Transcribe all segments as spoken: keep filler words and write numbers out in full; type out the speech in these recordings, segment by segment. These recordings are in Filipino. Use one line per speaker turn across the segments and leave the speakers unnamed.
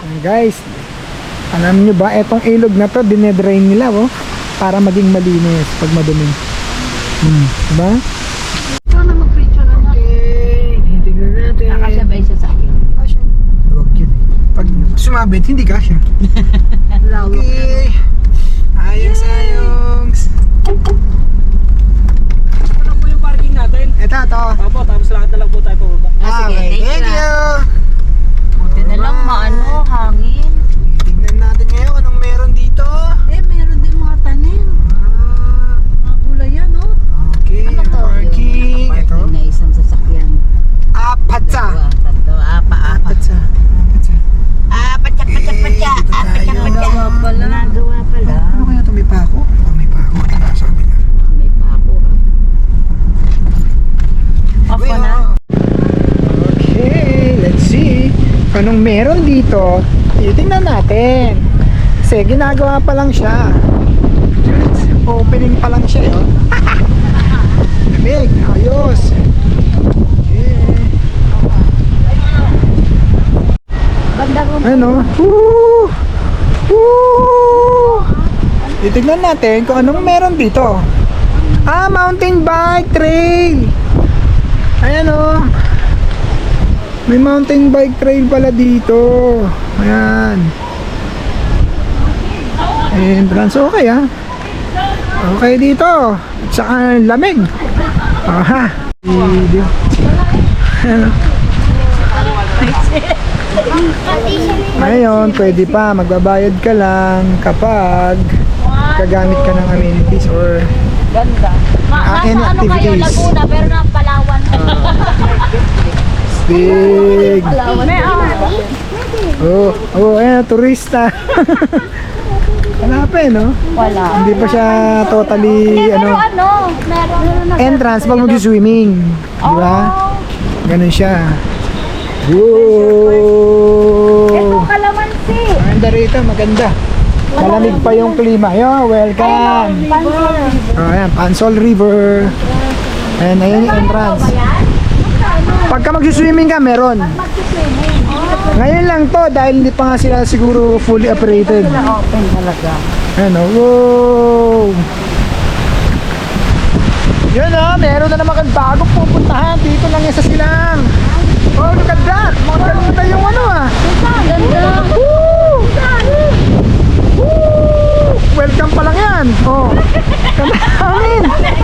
Guys, alam nyo ba, etong ilog na to, dinedrain nila, oh, para maging malinis pag madumi. Hmm, diba?
Ikaw na mag-picture na na.
Okay, tingnan natin.
Nakasabay siya sa akin.
Kasya. Huwag yun eh. Pag sumabit, hindi kasya. Okay. Ayos, ayos.
Ano po yung parking natin?
Ito, ito.
Opo, tapos lakad na lang po tayo pababa.
Ah, sige,
Okay,
thank
thank
you.
you.
Buti na lang maano, hangin.
Tingnan natin ngayon anong meron dito.
Eh, meron din mga tanim.
Ah,
Mga gulay yan, oh.
okay,
Ano to?
parking.
Yung
Ito.
parking na isang sasakyan.
Apat sa.
Dalawa, tatlo, apa, apa.
Apat sa. Apat sa.
Ah, patsak, patsak,
Okay,
patsak.
dito
Ah, patsak,
tayo.
patsak.
pala.
Nagawa pala.
Ano kaya ito? May pako? Oh, may pako. Ito na, sabi na.
May pako, ah. Off ko na.
Okay, let's see. Anong meron dito? Tingnan natin. Kasi ginagawa pa lang siya. Opening pa lang siya, yun. Lamig, ayos. Okay.
Banda ko.
Ano? Woo! Woo! Titignan natin kung anong meron dito. Ah, mountain bike trail. Ayan o. May mountain bike trail pala dito. Ayan. Entrance okay ah. Okay dito. At saka lamig. Aha. Video. Ano? Ngayon, pwede pa. Magbabayad ka lang kapag gagamit ka ng amenities or
Ganda.
Ah,
Ma
any
nasa ano kayo,
activities?
Laguna, pero na Palawan.
big.
Palawan. May, ah.
Oh, oh, ayan, turista. Wala pa eh, no?
Wala.
Hindi pa siya totally,
Pero
ano,
ano, meron.
entrance pag mag-swimming. Di ba?
Oh.
Ganun siya.
Ito,
Whoa!
kalamansi.
Maganda rito, maganda. Malamig pa yung klima. Yo, welcome.
Pansol.
Oh, ayan, Pansol River. Ayan, ayan yung entrance. Pagka mag-swimming ka, meron. Ngayon lang to dahil hindi pa nga sila siguro fully operated.
Open talaga.
Ayan o, wow! Yun o, meron na naman kang bagong pupuntahan. Dito lang yan sa Silang. Oh, look at that! Maganda yung ano ah.
Ganda.
Woo! Woo! Welcome pa lang yan. Oh, ganda hangin.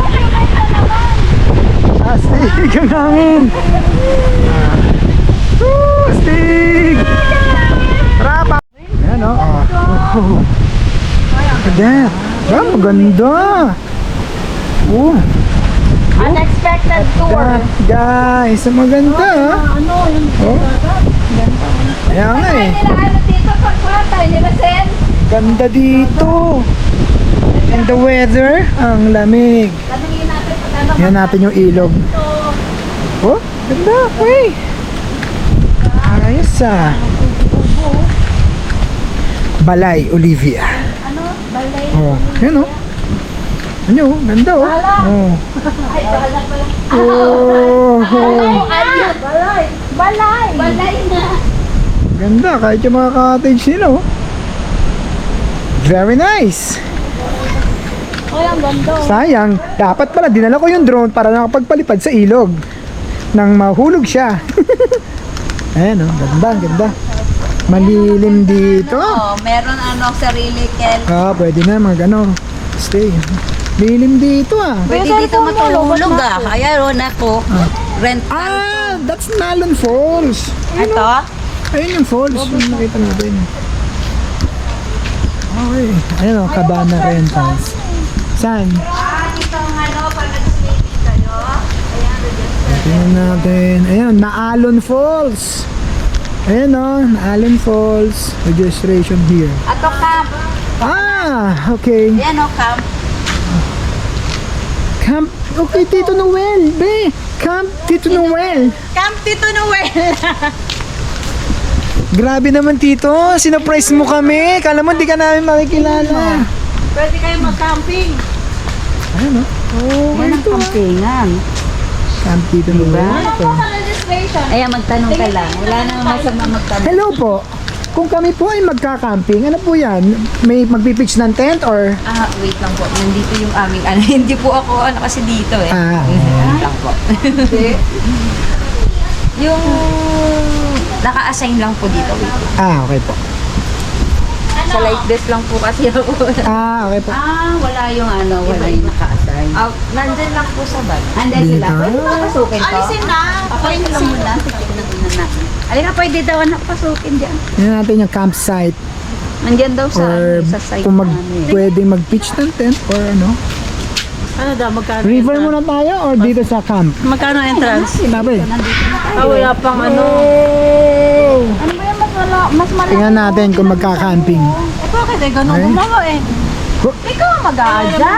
Astig ang hangin. Ah. Woo! Astig! Tara pa! Ayan o. Oh. Oh. Look at that. Ah, maganda. Oh.
Unexpected tour.
That, guys, maganda ah.
Ano, yung
Oh. Kaya nga eh.
nila ano dito pagkata, nila Sen.
Ganda dito. And the weather, ang lamig.
Tanungin natin pag ano.
Yan natin yung ilog. Oh, ganda. Uy. Ayos ah. Balay, Olivia.
Ano? Balay.
Oh, yan oh. Ano, ganda oh. Oh.
Ay, bala pala.
Oh,
Balay. Ayun. Balay. Balay. Balay na.
ganda kahit yung mga cottage nila oh. Very nice.
Ay, ang ganda.
Sayang, dapat pala dinala ko yung drone para nakapagpalipad sa ilog nang mahulog siya. Ayan oh, ganda, ganda. Malilim dito.
Oh, meron ano, sarili kel.
Ah, pwede na mag ano, stay. Lilim dito ah.
Pwede dito matulog ah. Ayan, ako. Rent.
Ah, that's Nalon Falls.
Ito?
Ayun yung falls, yung nakita natin. Okay, ayun o, Cabana Rentals. Saan?
Ah, ito ang ano, pag nag-swimming kayo. Ayan,
Tingnan natin. Ayun, Naalon Falls. Ayun o, Naalon Falls. Registration here.
ato camp.
Ah, okay.
Ayan o, camp.
Camp, okay, Tito Noel, be. Camp Tito Noel.
Camp Tito Noel.
Grabe naman, Tito. Sinurprise mo kami. Kala mo, di ka namin makikilala.
Pwede kayo mag-camping.
Ayun o. Oh,
Yan ang campingan.
Camp Tito Noel. Ito.
Registration. Ayan, magtanong ka lang. Wala namang masama magtanong.
Hello po. Kung kami po ay magka-camping, ano po yan? May magpipitch ng tent or?
Ah, wait lang po. Nandito yung aming ano. Hindi po ako ano kasi dito eh.
Ah,
Wait lang po. Yung naka-assign lang po dito. Wait.
ah, okay po.
Sa like this lang po kasi ako.
Ah, okay po.
Ah, wala yung ano, wala yung naka-assign. Ah, nandyan lang po sa bag. Andyan sila.
Dito?
Pwede ba pasukin to?
Alisin na.
Papayin lang muna. Tignan muna natin. Alin na, pwede daw anak pasukin dyan.
Yan natin yung campsite
Nandyan daw sa,
or
ano, sa side
kung mag,
namin.
pwede mag-pitch ng tent or ano.
Ano daw, magkano
River muna tayo or dito sa camp?
Magkano entrance?
Sabi.
Ah, wala pang ano.
Oh!
Ano ba yung mas wala, mas malaki?
Tingnan natin kung magka-camping.
Eh, bakit eh, ganun
Ay.
gumawa eh.
Ko-
Ikaw ang mag-aadya.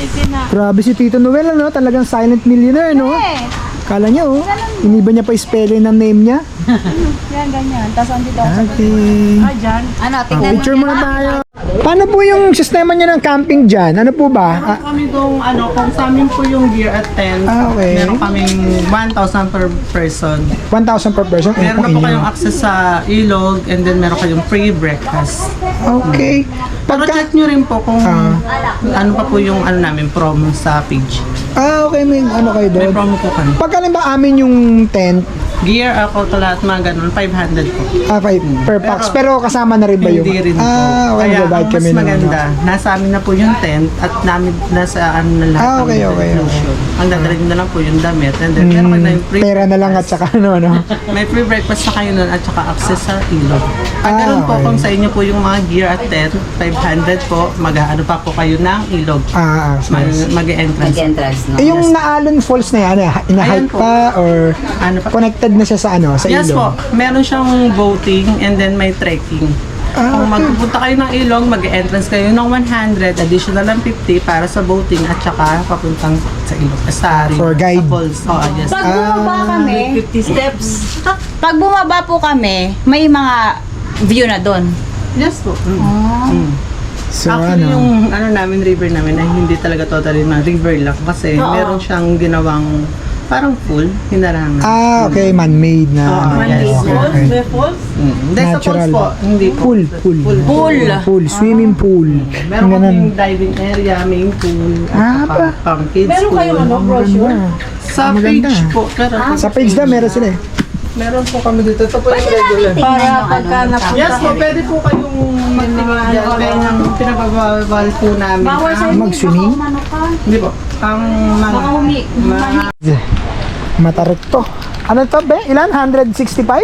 Grabe si Tito Noel, ano? Talagang silent millionaire, no?
Eh,
Kala niya, oh. Iniba niya pa yung spelling ng name niya.
yan, ganyan. Tapos andito ako sa
Okay.
Ah, dyan.
Ano,
Oh,
tingnan mo
picture
niya.
muna tayo. Paano po yung sistema niya ng camping dyan? Ano po ba? Ah,
Kami dong ano, kung sa amin po yung gear at tent,
Ah, okay.
meron kaming one thousand per person.
one thousand per person? Ano
Meron
po
na po
inyo?
kayong access sa ilog and then meron kayong free breakfast.
Okay.
Pero
Pagka...
check nyo rin po kung
Ah.
ano pa po yung ano namin promo sa page.
Ah, okay. May ano kayo
May
doon?
promo po kami.
Pagka ba amin yung tent,
Gear, ako to lahat mga ganun, five hundred po.
ah, five per pax. Pero kasama na rin ba yung...
Hindi rin po.
Ah, okay.
Kaya
Provide
ang mas
kami ng...
maganda, nasa amin na po yung tent at namin, nasa ano na lahat
Ah, okay,
ng
okay,
inclusion. Ang dadalhin na lang po yung damit and then meron kayo na yung free
Hmm, pera na lang at saka ano, no?
May free breakfast na kayo nun at saka access sa ilog.
Ah,
Ang ganun po
okay.
kung sa inyo po yung mga gear at tent, five hundred po, mag-ano pa po kayo ng ilog.
Ah, ah,
Mag-
nice.
Mag-entrance.
Mag-entrance, no?
Eh, yung Naalon Falls na yan, ano, ina-hike
Ayan po.
pa or
Ano pa?
connected na siya sa ano, sa
Yes
ilog?
po, meron siyang boating and then may trekking.
Ah,
Kung magpupunta kayo ng ilog, mag-entrance kayo ng one hundred, additional ng fifty para sa boating at saka papuntang sa ilog. Sa river,
For guide.
Sa falls. Oh, yes.
Pag bumaba kami,
fifty steps.
pag bumaba po kami, may mga view na doon.
Yes po. Mm. Mm.
So,
Actually,
ano?
yung ano namin, river namin, ay hindi talaga totally na river lang. Kasi meron siyang ginawang parang pool, hinarangan.
Ah, okay, man-made na.
Oo,
ano,
yes.
okay, okay.
May falls?
Mm. Hindi, sa
Natural.
falls po. Hindi po.
Pool, pool.
Pool.
Pool, swimming pool.
Meron
Yung ganun.
kaming diving area, main pool,
Ah,
at
ba?
pang, pang kids
Meron
pool.
kayong ano, brochure?
Sa
Maganda.
page po. Pero,
Sa page na, meron sila eh.
meron po kami dito. Ito po yung regular.
Para
yung
pagka
ano,
napunta.
Yes po, pwede po kayong magtingin dyan. Kaya ang pinababawal po namin.
Bawal sa
ang-
Mag-swimming?
Ano ka?
Hindi po. Ang mga...
Baka humi.
mga
Matarik to. Ano to, be? Ilan? one sixty-five?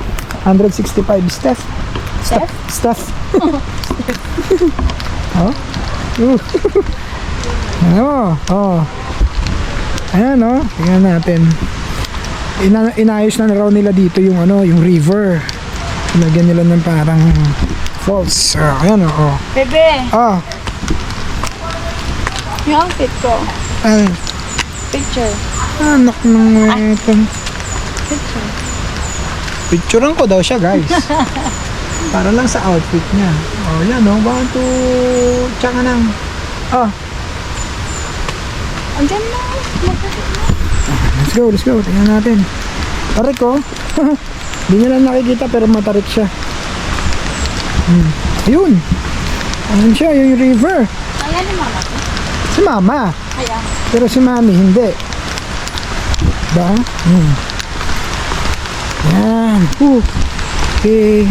one sixty-five, Steph. Steph? Steph. oh? Uh. ano? Oh. Ayan, oh. Tingnan natin. Ina inayos na raw nila dito yung ano, yung river. Lagyan nila ng parang falls. Ah, ayan, oh. oh.
Bebe,
Ah,
yung outfit ko.
ay,
Picture.
anak ng ito. Picturean ko daw siya, guys. Para lang sa outfit niya. Oh, yan, oh. One, two, tsaka nang. Oh,
Andyan na.
let's go, let's go. Tingnan natin. Tarik, oh. Hindi nyo lang nakikita, pero matarik siya. Hmm. Ayun. Ayun siya, yung river.
Ayan ni mama.
Si mama.
Ayan.
Pero si mami, hindi. Ba? Hmm. Yan. Uh. Okay.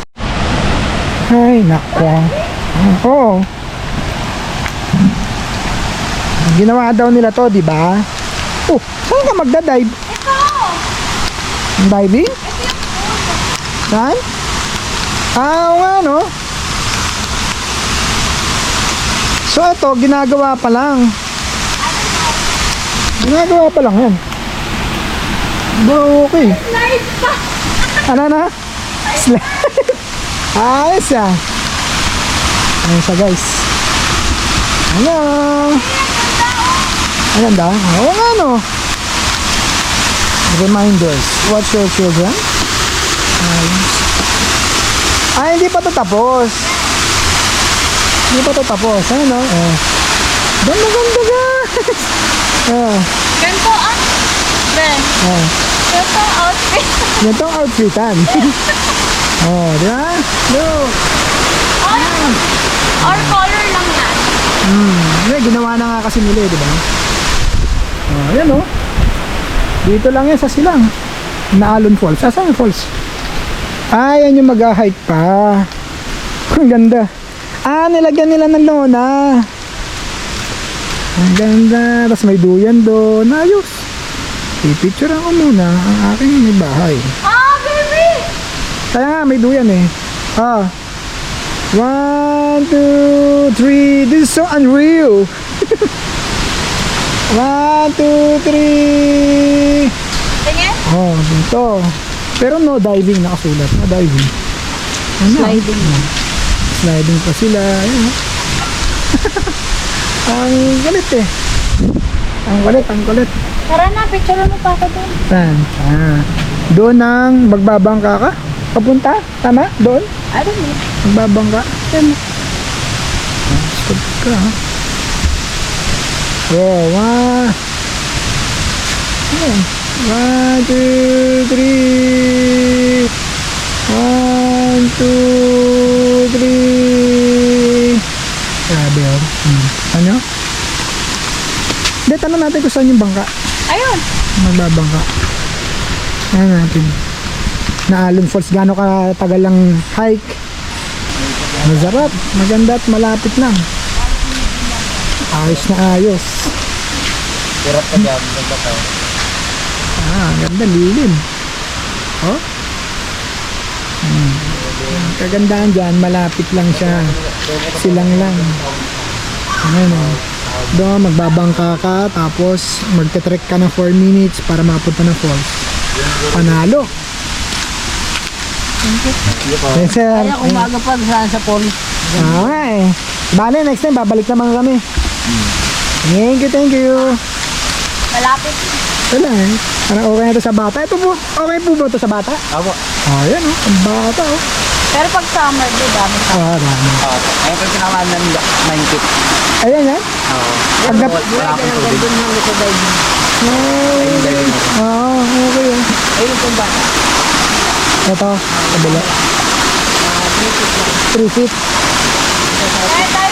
Ay, nako. Ah, Oo. Ginawa daw nila to, di ba? Oh, saan ka magda-dive?
Ito!
Diving? Saan? Ah, oo nga, no? So, ito, ginagawa pa lang. Ginagawa pa lang yan. Bro, okay.
Nice pa!
Ano na? Slide. Ayos ah. Ayun siya, guys. Hello. Ang ganda. Oo nga, no? Reminders. Watch your children. Ayos. Ay, hindi pa to tapos. Hindi pa to tapos. Ano, no? Eh. Ganda, ganda, guys. Ah,
Ganito ang... Ben,
ah.
ganito ang outfit.
Ganito ang outfitan. Oh, di ba?
Or color lang yan.
Hmm, yeah, ginawa na nga kasi nila, eh, di ba? Oh, ayan oh. Dito lang yan sa silang. Naalon Falls. Asan yung falls? Ah, yan yung mag-hike pa. Ang ganda. Ah, nilagyan nila ng lona. Ang ganda. Tapos may duyan doon. Ayos. I-picture ako muna ang aking may bahay.
Ah, baby!
Kaya nga, may duyan eh. Ah. One, two, three. This is so unreal. One, two, three.
Tingin?
Oh, dito. Pero no diving nakasulat. No diving. Ano?
Sliding.
Sliding pa sila. Ayun. Ang kulit eh. Ang kulit, ang kulit.
Tara na, picture mo pa ako doon.
Saan? Ah. Doon ang magbabangka ka? Papunta? Tama? Doon?
I don't know.
Magbabangka?
Tama.
Ah, stop ka ha. Oh, one. Ayan. One, two, three. One, two, three. Grabe oh. Hmm. Ano? Hindi, tanong natin kung saan yung bangka.
Ayun.
Magbabangka. Ayan natin. Naalon Falls, gaano ka tagal lang hike. Masarap, maganda at malapit lang. Ayos na ayos.
Hirap ka dyan, nagkataw.
Ah, ang ganda, lilim. Oh? Hmm. Ang kagandahan dyan, malapit lang siya. Silang lang. Ayan o. Doon, magbabangka ka, tapos magte-trek ka ng four minutes para makapunta ng falls. Panalo. Yes, sir.
Kaya umaga pa saan sa polis.
Ah, nga eh. Bale, next time, babalik naman kami. Thank you, thank you.
Malapit.
Wala eh. Parang okay na ito sa bata. Ito po, okay po ba ito sa bata?
Ako.
Oh, yan oh. Ang bata oh.
Pero pag summer, di ba? may-
Ah, dami.
Oo. Ayun ko yung pinakamaan ng nine feet.
Ayan yan.
Oo.
Pag nap-
Wala akong tubig.
Doon namin sa diving.
Ah, okay oh.
Ayun po ba?
Ito, kabila. Three feet.
Eh, tayo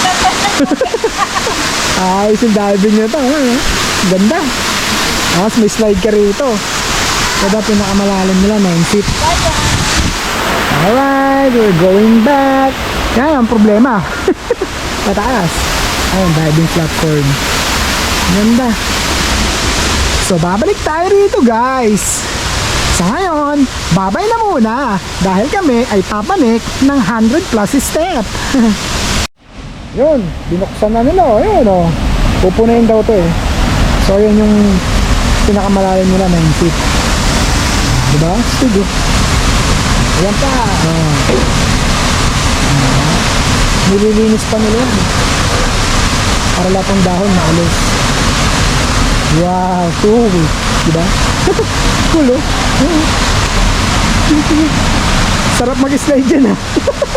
Ah, yung diving nyo ito. Ano, eh? Ganda. Tapos may slide ka rito. Kada pinakamalalim nila, nine feet. Alright, we're going back. Yan ang problema. Pataas. Ayun, diving platform. Ganda. So, babalik tayo rito, guys. Sa ngayon, babay na muna dahil kami ay papanik ng one hundred plus step. Yun, binuksan na nila. Oh. Yun, oh. Pupunayin daw to eh. So, yun yung pinakamalalim nila, nine feet. Diba? Sige. Ayan pa. Oh. Nililinis pa nila yan. Para lahat ng dahon maalis. Wow, cool. Diba? Cool, oh. Sarap mag-slide dyan, ah.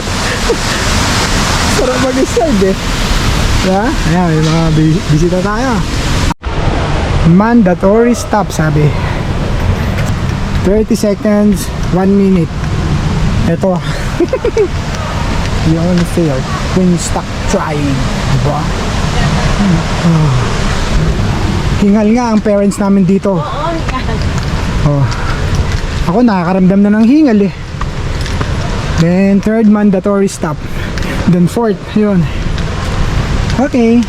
Sarap mag-slide, eh. Diba? Ayan, may mga bi- bisita tayo. Mandatory stop, sabi. thirty seconds, one minute. Ito. You only fail when you stop trying. Diba? Oh. Hingal nga ang parents namin dito. Oh. Ako nakakaramdam na ng hingal eh. Then third, mandatory stop. Then fourth, yun. Okay.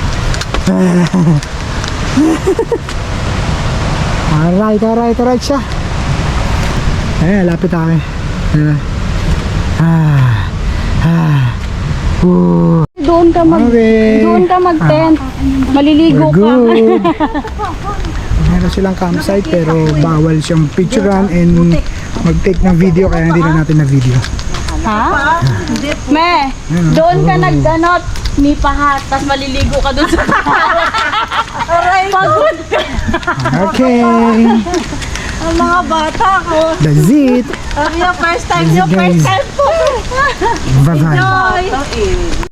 Alright, alright, alright siya. Eh, lapit ako eh. Ayan. Ah. Ah. Ooh.
Doon ka mag...
Okay.
Doon ka mag-tent. Maliligo
We're
ka.
good. Meron silang campsite pero bawal siyang picturean and mag-take ng video kaya hindi na natin na video.
Ha? Me, doon ka nagdanot ni pahat, tapos maliligo ka doon sa Aray, pagod ka.
Okay.
Ang mga bata ko.
That's it.
Yung first time,
That's it,
yung first
guys.
time po.
Bye-bye.
Joy.